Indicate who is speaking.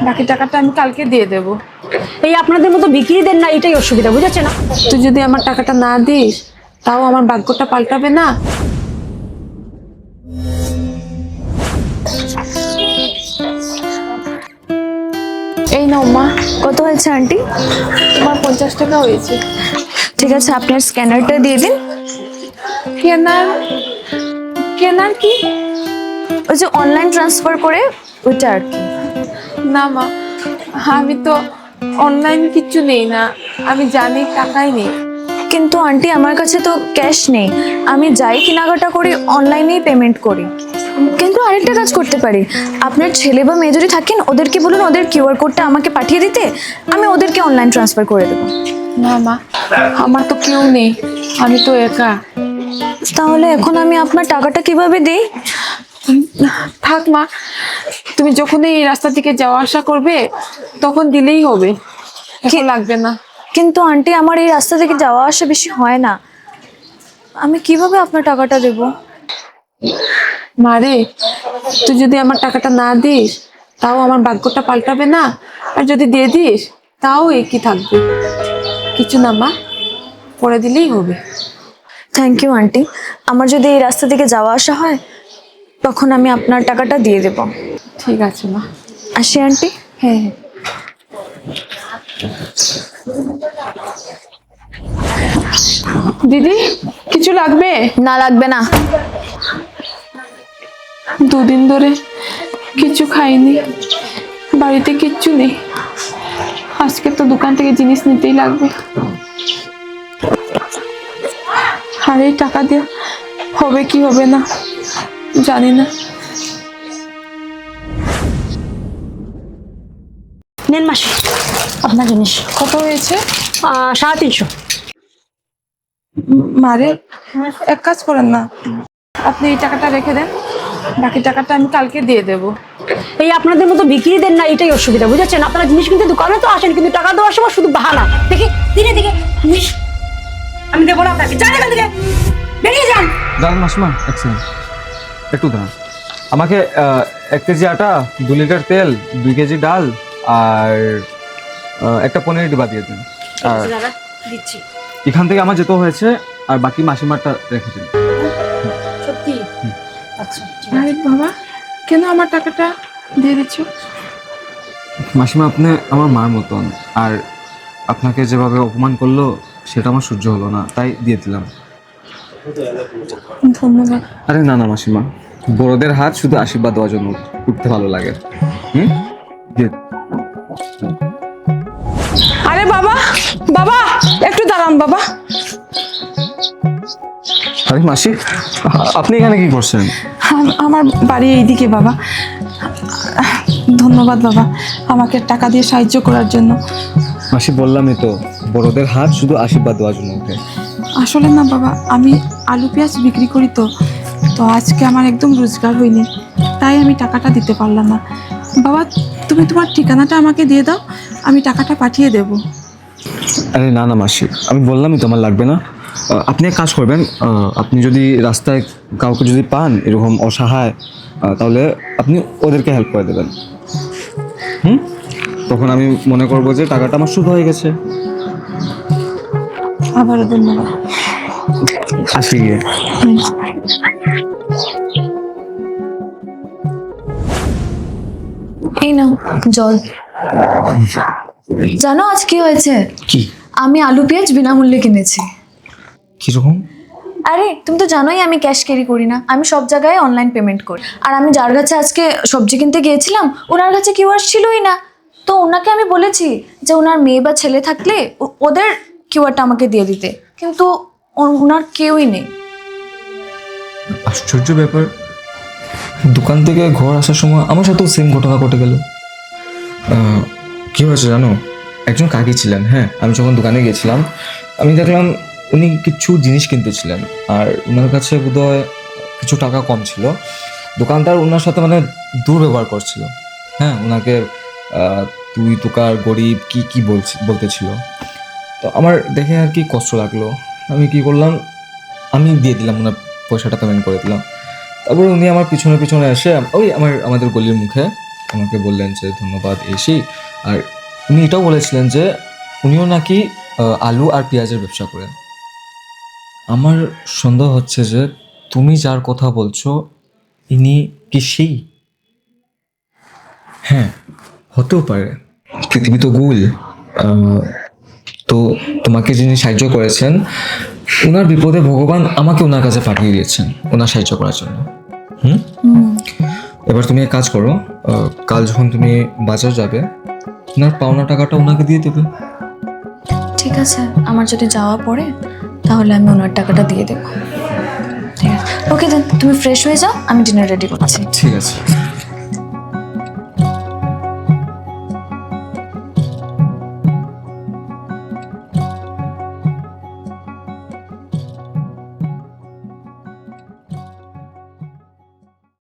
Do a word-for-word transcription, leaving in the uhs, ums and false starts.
Speaker 1: বাকি টাকাটা আমি কালকে দিয়ে দেব।
Speaker 2: এই আপনাদের মতো বিক্রিদের না এটাই অসুবিধা, বুঝেছেন না?
Speaker 1: তুই যদি আমার টাকাটা না দিস তাও আমার ভাগ্যটা পাল্টাবে না। এই নাও মা।
Speaker 3: কত হয়েছে আন্টি?
Speaker 1: তোমার পঞ্চাশ টাকা হয়েছে।
Speaker 3: ঠিক আছে, আপনার স্ক্যানারটা দিয়ে দিন।
Speaker 1: কেনার কেনার কি?
Speaker 3: ওই যে অনলাইন ট্রান্সফার করে ওইটা আর কি।
Speaker 1: না মা, আমি তো অনলাইন কিচ্ছু নেই না, আমি জানি টাকাই নেই।
Speaker 3: কিন্তু আন্টি আমার কাছে তো ক্যাশ নেই, আমি যাই কেনাকাটা করি অনলাইনেই পেমেন্ট করি। কিন্তু আরেকটা কাজ করতে পারি, আপনার ছেলে বা মেয়ে যদি থাকেন ওদেরকে বলুন ওদের কিউআর কোডটা আমাকে পাঠিয়ে দিতে, আমি ওদেরকে অনলাইন ট্রান্সফার করে দেবো।
Speaker 1: না মা, আমার তো কেউ নেই, আমি তো একা।
Speaker 3: তাহলে এখন আমি আপনার টাকাটা কিভাবে দিই?
Speaker 1: থাক মা, তুমি যখন এই রাস্তা থেকে যাওয়া আসা করবে তখন দিলেই হবে, এখন লাগবে না।
Speaker 3: কিন্তু আন্টি আমার এই রাস্তা থেকে যাওয়া আসা বেশি হয় না, আমি কিভাবে আপনার টাকাটা দেব?
Speaker 1: মারে, তুই যদি আমার টাকাটা না দিস তাও আমার ভাগ্যটা পাল্টাবে না, আর যদি দিয়ে দিস তাও একই থাকবে। কিছু না মা, পরে দিলেই হবে।
Speaker 3: থ্যাংক ইউ আন্টি, আমার যদি এই রাস্তা থেকে যাওয়া আসা হয় তখন আমি আপনার টাকাটা দিয়ে দেব।
Speaker 1: ঠিক আছে মা।
Speaker 3: আসি আন্টি।
Speaker 1: হ্যাঁ হ্যাঁ। দিদি, কিছু লাগবে?
Speaker 3: না লাগবে না।
Speaker 1: দুদিন ধরে কিছু খাইনি, বাড়িতে কিচ্ছু নেই, আজকে তো দোকান থেকে জিনিস নিতেই লাগবে। আর এই টাকা দিয়ে হবে কি হবে না জানি না।
Speaker 2: নেন মাসি আপনার জিনিস।
Speaker 1: কত হয়েছে?
Speaker 2: আহ, সাড়ে তিনশো।
Speaker 1: মারে, এক কাজ করেন না, আপনি এই টাকাটা রেখে দেন, বাকি টাকাটা আমি কালকে দিয়ে দেব।
Speaker 2: এই আপনাদের মতো বিক্রিদের না এটাই অসুবিধা, বুঝেছেন? আপনারা জিনিস কিনতে দোকানে তো আসেন, কিন্তু টাকা দেওয়ার সময় শুধু বাহানা। দেখি দিনে দিকে জিনিস আমি দেবো না আপনাকে, যান এখান থেকে, বেরিয়ে যান।
Speaker 4: দাঁড়ান মাসিমা, এক সেকেন্ড, একটু দাঁড়ান। আমাকে আহ, এক কেজি আটা, দু লিটার তেল, দুই কেজি ডাল আর আহ, একটা পনির ডিবা দিয়ে দিন। আর
Speaker 2: দাদা দিচ্ছি।
Speaker 4: এখান থেকে আমার যেতে হয়েছে, আর বাকি মাসিমারটা রেখে দিন।
Speaker 2: সত্যি? আচ্ছা ঠিক
Speaker 1: আরে বাবা, কেন আমার টাকাটা দিয়ে দিচ্ছ?
Speaker 4: মাসিমা, আপনি আমার মার মতন, আর আপনাকে যেভাবে অপমান করলো সেটা আমার সহ্য হলো না, তাই দিয়ে দিলাম।
Speaker 1: ধন্যবাদ।
Speaker 4: আরে না না মাসিমা, বড়দের হাত শুধু আশীর্বাদ দেওয়ার জন্য উঠতে ভালো লাগে। হুম, দিয়ে
Speaker 1: আরে বাবা, বাবা একটু দাঁড়ান বাবা।
Speaker 4: আরে মাসি, আপনি এখানে কি করছেন?
Speaker 1: আম- আমার বাড়ি এইদিকে বাবা। ধন্যবাদ বাবা, আমাকে টাকা দিয়ে সাহায্য করার জন্য।
Speaker 4: মাসি, বললামই তো, বড়দের হাত শুধু আশীর্বাদ দেওয়ার জন্য ওঠে।
Speaker 1: আসলে না বাবা, আমি আলু পেঁয়াজ বিক্রি করি তো তো আজকে আমার একদম রোজগার হয়নি, তাই আমি টাকাটা দিতে পারলাম না। বাবা, তুমি তোমার ঠিকানাটা আমাকে দিয়ে দাও, আমি টাকাটা পাঠিয়ে দেব।
Speaker 4: আরে না না মাসি, আমি বললামই তো আমার লাগবে না। আহ, আপনি এক কাজ করবেন, আহ, আপনি যদি রাস্তায় কাউকে যদি পান এরকম অসহায়, আহ, তাহলে আপনি ওদেরকে হেল্প করে দেবেন। হুম, তখন আমি মনে করবো যে টাকাটা আমার শুধু হয়ে গেছে।
Speaker 1: আবারও ধন্যবাদ।
Speaker 4: আসি গিয়ে।
Speaker 3: এই নাও জল। জানো আজ কি হয়েছে?
Speaker 4: কি?
Speaker 3: আমি আলু পেঁয়াজ বিনামূল্যে কিনেছি।
Speaker 4: কিরকম?
Speaker 3: আরে তুমি তো জানোই আমি ক্যাশ ক্যারি করি না, আমি সব জায়গায় অনলাইন পেমেন্ট করি। আর আমি যার কাছে আজকে সবজি কিনতে গিয়েছিলাম ওনার কাছে কিউআর ছিলই না, তো ওনাকে আমি বলেছি যে ওনার মেয়ে বা ছেলে থাকলে ও- ওদের কিউআরটা আমাকে দিয়ে দিতে, কিন্তু ও- ওনার কেউই নেই।
Speaker 5: আশ্চর্য ব্যাপার, দোকান থেকে ঘর আসার সময় আমার সাথেও সেম ঘটনা ঘটে গেল। আহ, কি হয়েছে জানো, একজন কাকি ছিলেন, হ্যাঁ, আমি যখন দোকানে গেছিলাম আমি দেখলাম উনি কিছু জিনিস কিনতেছিলেন, আর ওনার কাছে বোধহয় কিছু টাকা কম ছিল। দোকানদার ওনার সাথে মানে দুর্ব্যবহার করছিল, হ্যাঁ, ওনাকে আহ, তুই তোকার গরিব কি কি বলছি বলতেছিল। তো আমার দেখে আর কি কষ্ট লাগলো, আমি কি করলাম, আমি দিয়ে দিলাম, ওনার পয়সাটা পেমেন্ট করে দিলাম। তারপরে উনি আমার পিছনে পিছনে এসে ওই আমার আমাদের গলির মুখে আমাকে বললেন যে ধন্যবাদ এসি, আর উনি এটাও বলেছিলেন যে উনিও নাকি আহ, আলু আর পেঁয়াজের ব্যবসা করেন। আমার সন্দেহ হচ্ছে যে তুমি যার কথা বলছো ইনি কি সেই? হ্যাঁ, হতেও পারে, পৃথিবী তো গোল। আহ, তো তোমাকে যিনি সাহায্য করেছেন, ওনার বিপদে ভগবান আমাকে ওনার কাছে পাঠিয়ে দিয়েছেন ওনার সাহায্য করার জন্য। হুম, এবার তুমি এক কাজ করো, আহ, কাল যখন তুমি বাজার যাবে ওনার পাওনা টাকাটা ওনাকে দিয়ে দেবে।
Speaker 3: ঠিক আছে, আমার যদি যাওয়া পড়ে তাহলে আমি ওনার টাকাটা দিয়ে দেবো। ঠিক আছে, ওকে দেন, তুমি ফ্রেশ হয়ে যাও, আমি ডিনার রেডি করছি।
Speaker 5: ঠিক আছে।